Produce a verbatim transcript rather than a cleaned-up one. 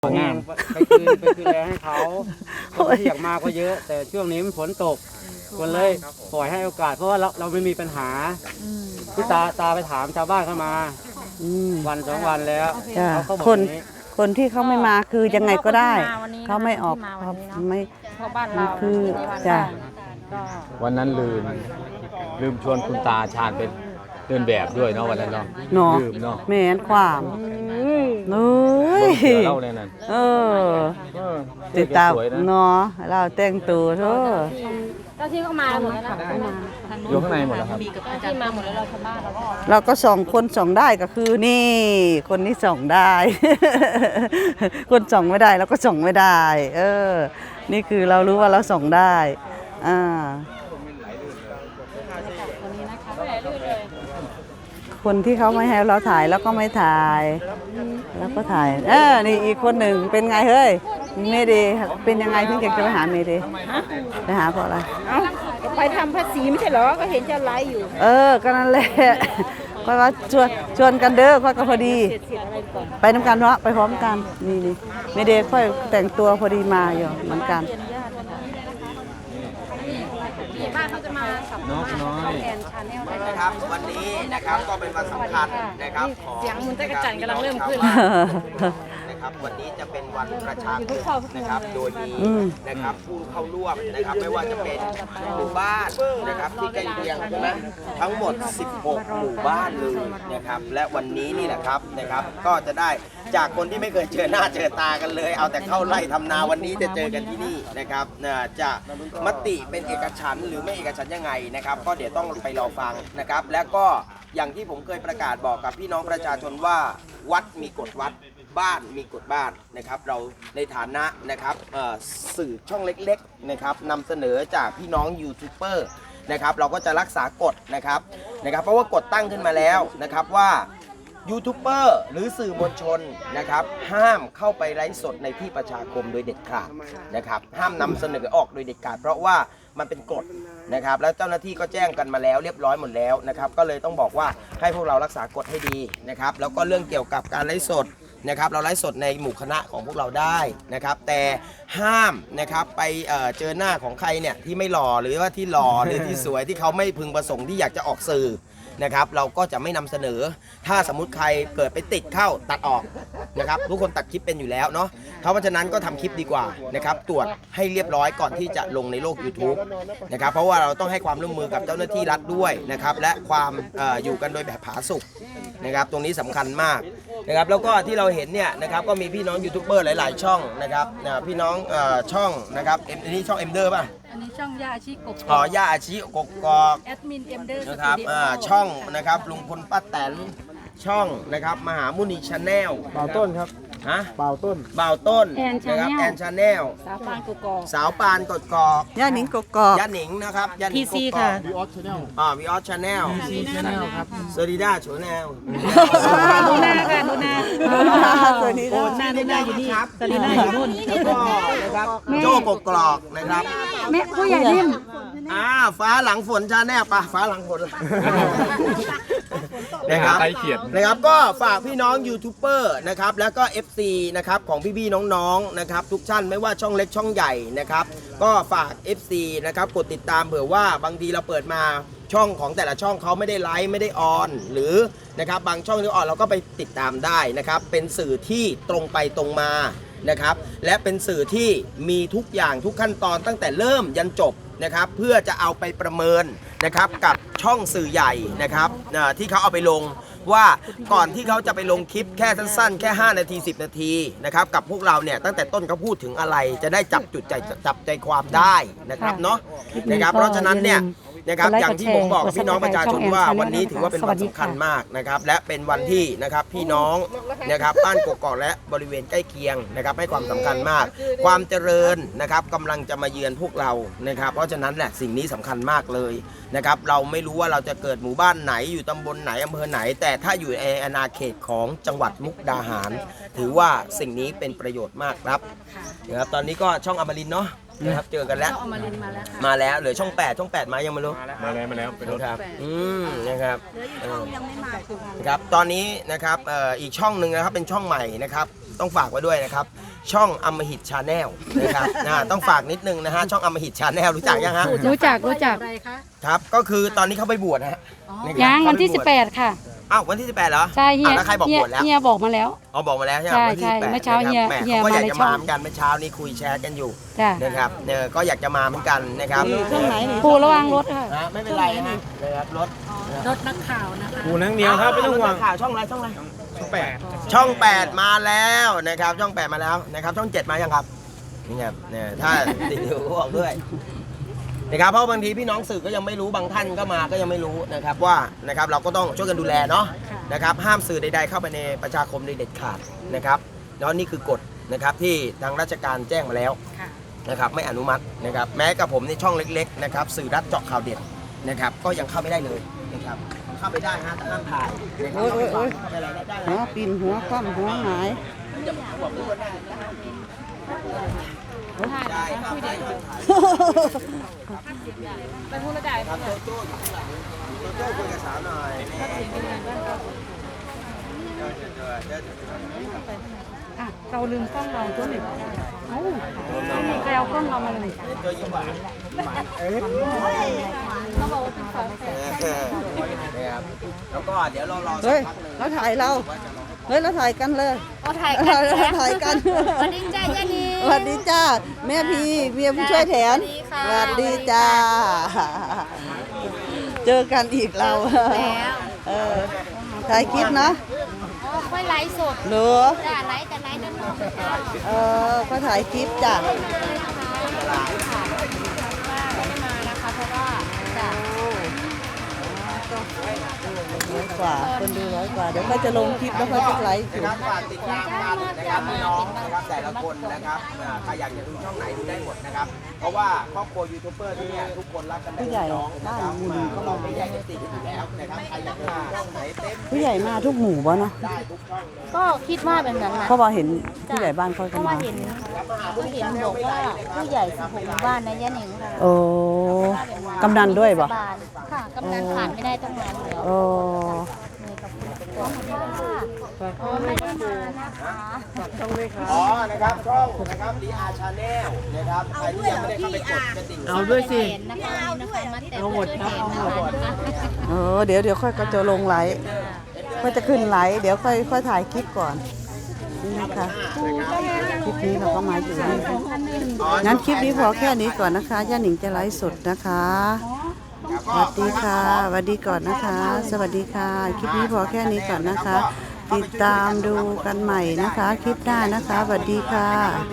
งามไปคืนไปคืนแลให้เขาคนที่อยากมาก็เยอะแต่ช่วงนี้มันฝนตกคนเลยปล่อยให้โอกาสเพราะว่าเราเราไม่มีปัญหาที่ตาตาไปถามชาวบ้านเข้ามาวันสองวันแล้วเขาบอกคนอย่างนี้คนที่เขาไม่มาคือยังไงก็ได้เขาไม่ออกเขาไม่เพราะบ้านเราคือจ้ะวันนั้นลืมลืมชวนคุณตาชาญเป็นเดินแบบด้วยเนาะวันนั้นเนาะเนาะลืมเนาะแม่นความเอ้ยเสือเล่าในนั้นเออเออติดตามสวยนะเนาะเราแต่งตัวเถอะเจ้าที่เข้ามาหมดแล้วนะอยู่ข้างในหมดแล้วครับเจ้าที่มาหมดแล้วเราชาวบ้านเราก็เราก็ส่องคนส่องได้ก็คือนี่ คนนี้ส่องได้ คนส่องไม่ได้เราก็ส่องไม่ได้ เออ นี่คือเรารู้ว่าเราส่องได้อ่าคนที่เขาไม่ให้เราถ่ายแล้วก็ไม่ถ่าย แล้วก็ถ่าย เออ นี่อีกคนหนึ่งเป็นไงเฮ้ย เมเดย์เป็นยังไงถึงอยากจะไปหาเมเดย์ไปหาเพราะอะไรเอ้าไปทำภาษีไม่ใช่เหรอ ก็เห็นจะไลฟ์อยู่เออ ก็นั่นแหละก็ว่าชวนชวนกันเด้อค่อยก็พอดี ไปน้ำกันเนาะไปพร้อมกัน นี่นี่เมเดย์ค่อยแต่งตัวพอดีมาอยู่เหมือนกันบ้านเขาจะมาสัมภาษณ์น้องแอนชาแนลนะครับวันนี้นะครับก็เป็นวันสำคัญนะครับของเสียงมุนตะกระจันกำลังเริ่มขึ้นนะครับวันนี้จะเป็นวันประชาคมนะครับโดยมีอืมนะครับผู้เข้าร่วมนะครับไม่ว่าจะเป็นหมู่บ้านนะครับที่ใกล้เคียงใช่ไหมทั้งหมดสิบหกหมู่บ้านเลยนะครับและวันนี้นี่แหละครับนะครับก็จะได้จากคนที่ไม่เคยเจอหน้าเจอตากันเลย เอาแต่เข้าไล่ทำนาวันนี้จะเจอกันที่นี่นะครับน่าจะมติเป็นเอกฉันท์หรือไม่เอกฉันท์ยังไงนะครับก็เดี๋ยวต้องไปรอฟังนะครับและก็อย่างที่ผมเคยประกาศบอกกับพี่น้องประชาชนว่าวัดมีกฎวัดบ้านมีกฎบ้านนะครับเราในฐานะนะครับสื่อช่องเล็กๆนะครับนำเสนอจากพี่น้องยูทูบเบอร์นะครับเราก็จะรักษากฎนะครับนะครับเพราะว่ากฎตั้งขึ้นมาแล้วนะครับว่ายูทูบเบอร์หรือสื่อมวลชนนะครับห้ามเข้าไปไลฟ์สดในที่ประชาคมโดยเด็ดขาดนะครับห้ามนำเสนอออกโดยเด็ดขาดเพราะว่ามันเป็นกฎนะครับแล้วเจ้าหน้าที่ก็แจ้งกันมาแล้วเรียบร้อยหมดแล้วนะครับก็เลยต้องบอกว่าให้พวกเรารักษากฎให้ดีนะครับแล้วก็เรื่องเกี่ยวกับการไลฟ์สดนะครับเราไลฟ์สดในหมู่คณะของพวกเราได้นะครับแต่ห้ามนะครับไปเอ่อเจอหน้าของใครเนี่ยที่ไม่หล่อหรือว่าที่หล่อ หรือที่สวยที่เขาไม่พึงประสงค์ที่อยากจะออกสื่อนะครับเราก็จะไม่นำเสนอถ้าสมมุติใครเกิดไปติดเข้าตัดออกนะครับทุกคนตัดคลิปเป็นอยู่แล้วเนาะเพราะฉะนั้นก็ทำคลิปดีกว่านะครับตรวจให้เรียบร้อยก่อนที่จะลงในโลก YouTube นะครับเพราะว่าเราต้องให้ความร่วมมือกับเจ้าหน้าที่รัฐด้วยนะครับและความเอ่ออยู่กันโดยแบบผาสุกนะครับตรงนี้สำคัญมากนะครับแล้วก็ที่เราเห็นเนี่ยนะครับก็มีพี่น้องยูทูบเบอร์หลายๆช่องนะครับอ่าพี่น้องเอ่อช่องนะครับเอ็มนี่ช่องเอ็มเดอร์ป่ะอันนี้ช่องยาอาชีพกบอ๋อย่าอาชีกกกอกแอดมินเอ็มเดอร์นะครับอ่าช่องนะครับลุงพลป้าแตนช่องนะครับมหามุนีชาแนลเป่าต้นครับฮะเป่าต้นบ่าวต้นนะครับแอนชาแนลสาวปานกกอกสาวปานกดกอกย่าหนิงกกอกย่าหนิงนะครับย่าหนิงกกอกวีออสชาแนลอ่าวีออสชาแนลซีชาแนลครับเซอริด้าชาแนลดูหน้าค่ะดูหน้าสวัสดีค่ะหน้าดูหน้าอยู่นี่สลีน่าอยู่นู่นแล้วก็นะครับโจ้กกกรอกนะครับแม่ผู้ใหญ่นิ่มอ่าฟ้าหลังฝนชาแนลปะฟ้าหลังฝนนะครับไปเขียนนะครับก็ฝากพี่น้องยูทูบเบอร์นะครับแล้วก็ เอฟ ซี นะครับของพี่ๆน้องๆนะครับทุกท่านไม่ว่าช่องเล็กช่องใหญ่นะครับก็ฝาก เอฟ ซี นะครับกดติดตามเผื่อว่าบางทีเราเปิดมาช่องของแต่ละช่องเขาไม่ได้ไลฟ์ไม่ได้ออนหรือนะครับบางช่องที่ออนเราก็ไปติดตามได้นะครับเป็นสื่อที่ตรงไปตรงมานะครับและเป็นสื่อที่มีทุกอย่างทุกขั้นตอนตั้งแต่เริ่มยันจบนะครับเพื่อจะเอาไปประเมินนะครับกับช่องสื่อใหญ่นะครับที่เขาเอาไปลงว่าก่อนที่เขาจะไปลงคลิปแค่สั้นๆแค่ห้านาทีสิบนาทีนะครับกับพวกเราเนี่ยตั้งแต่ต้นเขาพูดถึงอะไรจะได้จับจุดใจจับใจความได้นะครับเนาะนะครับเพราะฉะนั้นเนี่ยนะครับอย่างที่ผมบอกพี่น้องประชาชนว่าวันนี้ถือว่าเป็นวันสำคัญมากนะครับและเป็นวันที่นะครับพี่น้องนะครับบ้านกกอกและบริเวณใกล้เคียงนะครับให้ความสำคัญมากความเจริญนะครับกำลังจะมาเยือนพวกเรานะครับเพราะฉะนั้นแหละสิ่งนี้สำคัญมากเลยนะครับเราไม่รู้ว่าเราจะเกิดหมู่บ้านไหนอยู่ตำบลไหนอำเภอไหนแต่ถ้าอยู่ในอาณาเขตของจังหวัดมุกดาหารถือว่าสิ่งนี้เป็นประโยชน์มากครับนะครับตอนนี้ก็ช่องอมรินทร์เนาะนะครับเจอกันแล้วเอามาเรียนมาแล้วค่ะมาแล้วเหลือช่องแปดช่องแปดมายังไม่รู้มาแล้วมาแล้วไปรถนะครับอืมนะครับเออครับตอนนี้นะครับเอ่ออีกช่องหนึ่งนะครับเป็นช่องใหม่นะครับต้องฝากไว้ด้วยนะครับ ช่องอมหิตชาแนลนะครับนะต้องฝากนิดนึงนะฮะช่องอมหิตชาแนลรู้จักยังฮะรู้จักรู้จักครับก็คือตอนนี้เขาไปบวชนะฮะะครับยังวันที่เขาสิบไปแปวชดค่ะอ้าววันที่สิบแปดเหรอใช่เฮียอ้าวแล้วใครบอกเฮียบวชแล้วเฮียบอกมาแล้วอ๋อบอกมาแล้วใช่ไหมใช่วันที่ใช่สิบแปดเมื่อเช้านะครับเฮียแหม่เฮียเขาก็อยากมาในจะช่มาองเหมือนกันเมื่อเช้านี้คุยแชร์กันอยู่จ้ะนะครับเนี่ยก็อยากจะมาเหมือนกันนะครับช่องไหนนี่ปูระวังรถค่ะนะไม่เป็นไรนะนะครับรถรถนักข่าวนะคะหูนังเหนียวครับไม่ต้องห่วงข่าวช่องอะไรช่องอะไรช่องแปดช่องแปดมาแล้วนะครับช่องแปดมาแล้วนะครับช่องเจ็ดมายังครับนี่ครับเนี่ยถ้าติดอยู่ก็บอกด้วยนะครับเพราะบางทีพี่น้องสื่อก็ยังไม่รู้บางท่านก็มาก็ยังไม่รู้นะครับว่านะครับเราก็ต้องช่วยกันดูแลเนาะนะครับห้ามสื่อใดๆเข้าไปในประชาคมโดยเด็ดขาดนะครับแล้วนี่คือกฎนะครับที่ทางราชการแจ้งมาแล้วนะครับไม่อนุมัตินะครับแม้กับผมในช่องเล็กๆนะครับสื่อรัฐเจาะข่าวเด็ดนะครับก็ยังเข้าไม่ได้เลยนะครับเข้าไปได้ฮะแต่ห้ามถ่ายนะครับโอ้ยโอ้ยโอ้ยเข้าไปอะไรได้หัวปีนหัวคว่ำหัวหงายได้ครับได้ครับไปพูดแล้วได้ครับโจโจ้อยู่ข้างหลังโจโจ้คุยกับสาวหน่อยนี่เดี๋ยวเดี๋ยวเดี๋ยวเดี๋ยวเดี๋ยวอ่ะเราลืมกล้องเราตัวหนึ่งเอ้าใครเอากล้องเรามาเลยโจยิ้มหวานเขาบอกว่าเป็นสองแสนนะครับแล้วก็เดี๋ยวเรารอสัเฮ้กยพักหนึ่งเราถ่ายเราเฮ้ยเราถ่ายกันเลยเอาถ่ายเรากันเราถ่ายกันสวัสดีจ้าเจนี่สวัสดีจ้าแม่พีเมียผู้ช่วยแทนสวัสดีจ้า เจอกันอีกเราแล้วเออถ่ายคลิปเนาะอ๋อค่อยไลฟ์สดหรือจ้าไลฟ์แต่ไลฟ์ด้านนอกจ้าเออก็ถ่ายคลิปจ้ะว่าไม่ได้มานะคะเพราะว่าจ้าร้อยกว่าคนดูร้อยกว่าเดี๋ยวเขาจะลงคลิปแล้วเขาจะไลฟ์อยู่นะครับฝากติดตามกันนะครับพี่น้องนะครับแต่ละคนนะครับอ่าใครอยากจะดูช่องไหนดูได้หมดนะครับ เพราะว่าครอบครัวยูทูบเบอร์ที่เนี่ยทุกคนรักกันผู้ใหญ่น้องนะครับบ้านหมู่ก็เราไม่แยกกันติดอยู่แล้วนะครับใครอยากจะดูช่องไหนเต็มผู้ใหญ่มาทุกหมู่บ่เนาะได้ทุกช่องเลยก็คิดว่าแบบนั้นนะเพราะว่าเห็นผู้ใหญ่บ้านเขาเพก็ราะว่ามาเห็นก็เห็นบอกว่าผู้ใหญ่สิบหกหมู่บ้านนะย่าหนิงค่ะโอ้กำนันด้วยบ่ค่ะกำนันผ่านไม่ได้ตั้งนานแล้วโอ้ขอบคุณค่ะอ๋อไม่ได้มานะคะอ๋อนะครับช่องนะครับดีอาร์ชาแนลนะครับใครที่ยังไม่ได้เข้าไปกดกระดิ่งเอาด้วยสิเห็นนะคะนะคะมาแต่หมดครับเอาหมดเออเดี๋ยวเดี๋ยวค่อยก็จะลงไลฟ์ก็จะขึ้นไลฟ์เดี๋ยวค่อยค่อยถ่ายคลิปก่อนนี่นะคะคลิปนี้เราก็มาอยู่นี่ค่ะงั้นคลิปนี้พอแค่นี้ก่อนนะคะย่าหนิงจะไลฟ์สดนะคะสวัสดีค่ะสวัสดีก่อนนะคะ สวัสดีค่ะ คลิปนี้พอแค่นี้ก่อนนะคะ ติดตามดูกันใหม่นะคะ คลิปหน้านะคะสวัสดีค่ะ